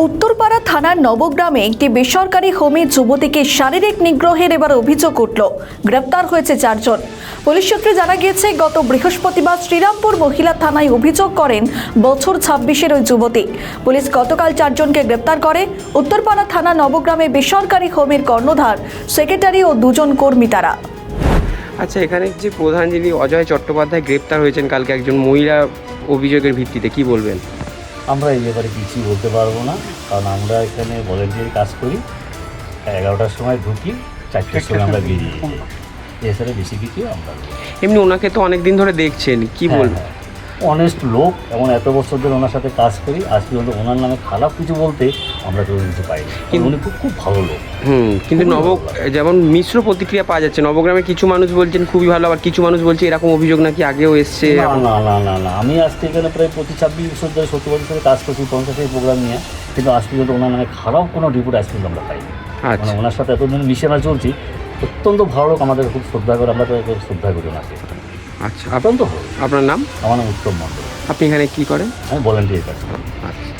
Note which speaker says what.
Speaker 1: উত্তরপাড়া থানার নবগ্রামে একটি বেসরকারি হোমে যুবতীকে শারীরিক নিগ্রহের এবার অভিযোগ উঠল। গ্রেপ্তার হয়েছে 4 জন। পুলিশ সূত্রে জানা গিয়েছে, গত বৃহস্পতিবার শ্রীরামপুর মহিলা থানায় অভিযোগ করেন বছর 26-এর ওই যুবতী। পুলিশ গতকাল 4 জনকে গ্রেপ্তার করে। উত্তরপাড়া থানা নবগ্রামে বেসরকারি হোমের কর্ণধার, সেক্রেটারি ও 2 জন কর্মী তারা।
Speaker 2: আচ্ছা, এখানে যে প্রধান যিনি অজয় চট্টোপাধ্যায় গ্রেপ্তার হয়েছেন কালকে একজন মহিলা অভিযোগের ভিত্তিতে, কি বলবেন?
Speaker 3: আমরা এই ব্যাপারে কিছুই বলতে পারবো না, কারণ আমরা এখানে ভলেন্টিয়ার কাজ করি। 11টার সময় ঢুকি, 4টার সময় আমরা বেরিয়ে যাই। এছাড়া বেশি কিছু আমরা
Speaker 2: এমনি ওনাকে তো অনেক দিন ধরে দেখছেন, কি বলবেন?
Speaker 3: অনেস্ট লোক, এমন এত বছর ধরে ওনার সাথে কাজ করি, আজ পর্যন্ত ওনার নামে খারাপ কিছু বলতে আমরা কেউ কিছু পাইনি। কিন্তু উনি খুব ভালো লোক।
Speaker 2: কিন্তু যেমন মিশ্র প্রতিক্রিয়া পাওয়া যাচ্ছে। নবগ্রামে কিছু মানুষ বলছেন খুবই ভালো, আবার কিছু মানুষ বলছে এরকম অভিযোগ নাকি আগেও এসছে।
Speaker 3: না, আমি আজকে এখানে প্রায় প্রতি 26 বছর ধরে 70 বছর ধরে কাজ করছি 50-এর প্রোগ্রাম নিয়ে, কিন্তু আজ পর্যন্ত ওনার নামে খারাপ কোনো রিপোর্ট আজ পর্যন্ত আমরা পাইনি। মানে ওনার সাথে এতদিন মিশে আমরা চলছি, অত্যন্ত ভালো লোক, আমাদের খুব শ্রদ্ধা করে, আমরা তো শ্রদ্ধা করি ওনাকে।
Speaker 2: আচ্ছা,
Speaker 3: অত্যন্ত ভালো।
Speaker 2: আপনার নাম?
Speaker 3: আমার নাম উত্তম মণ্ডল।
Speaker 2: আপনি এখানে কি করেন?
Speaker 3: আমি ভলেন্টিয়ার কাজ করি।
Speaker 2: আচ্ছা।